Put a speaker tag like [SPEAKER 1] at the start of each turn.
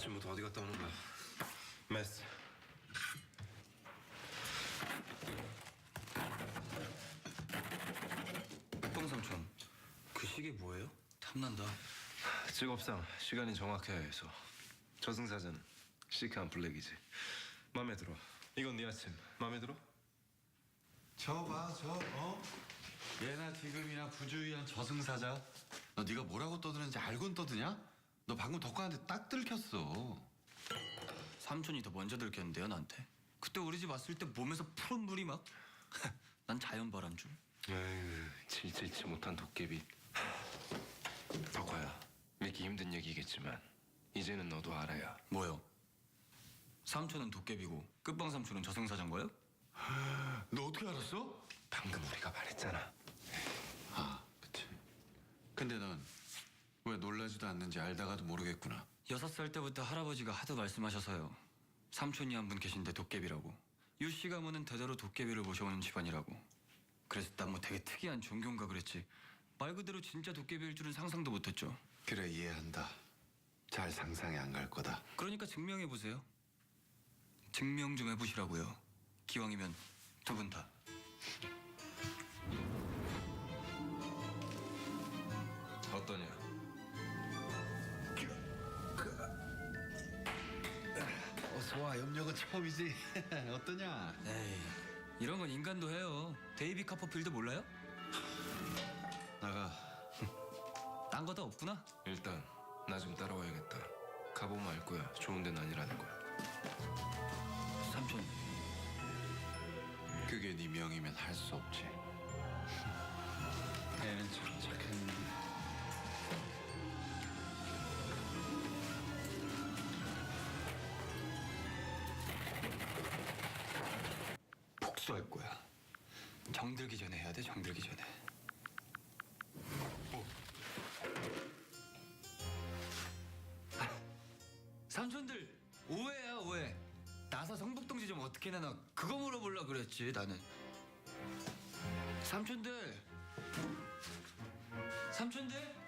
[SPEAKER 1] 아침부터 어디 갔다 오는 거야? 메스.
[SPEAKER 2] 똥삼촌, 그 시계 뭐예요? 탐난다.
[SPEAKER 1] 직업상 시간이 정확해야 해서. 저승사자는 시크한 블랙이지. 마음에 들어. 이건 네 아침. 마음에 들어?
[SPEAKER 3] 예나 지금이나 부주의한 저승사자. 너 네가 뭐라고 떠드는지 알고는 떠드냐? 너 방금 덕관한테 딱 들켰어.
[SPEAKER 2] 삼촌이 더 먼저 들켰는데요, 나한테. 그때 우리 집 왔을 때 몸에서 푸른 물이 막... 난 자연바람 줄.
[SPEAKER 1] 에휴, 질질치 못한 도깨비. 덕화야, 믿기 힘든 얘기겠지만 이제는 너도 알아야.
[SPEAKER 2] 뭐요? 삼촌은 도깨비고 끝방 삼촌은 저승사자인 거예요?
[SPEAKER 3] 너 어떻게 알았어?
[SPEAKER 1] 방금 우리가 말했잖아.
[SPEAKER 3] 아, 그치. 근데 넌 왜 놀라지도 않는지 알다가도 모르겠구나.
[SPEAKER 2] 6살 때부터 할아버지가 하도 말씀하셔서요. 삼촌이 한 분 계신데 도깨비라고. 유씨 가문은 대대로 도깨비를 모셔오는 집안이라고. 그래서 난 뭐 되게 특이한 종교인가 그랬지. 말 그대로 진짜 도깨비일 줄은 상상도 못했죠.
[SPEAKER 3] 그래, 이해한다. 잘 상상이 안 갈 거다.
[SPEAKER 2] 그러니까 증명해보세요. 증명 좀 해보시라고요. 기왕이면 두 분 다.
[SPEAKER 1] 어떠냐?
[SPEAKER 3] 어서 와, 염려가 처음이지. 어떠냐?
[SPEAKER 2] 에이, 이런 건 인간도 해요. 데이비 카퍼필드 몰라요?
[SPEAKER 3] 나가.
[SPEAKER 2] 딴 거 다 없구나.
[SPEAKER 1] 일단 나 좀 따라와야겠다. 가보면 알 거야. 좋은 데는 아니라는 거야.
[SPEAKER 2] 삼촌,
[SPEAKER 3] 그게 네 명이면 할 수 없지. 애는 참 착했네.
[SPEAKER 2] 복수할 거야. 정들기 전에 해야 돼, 정들기 전에. 삼촌들, 오해야, 오해. 나사 성북동지 좀 어떻게 내나 그거 물어보려고 그랬지, 나는. 삼촌들. 삼촌들?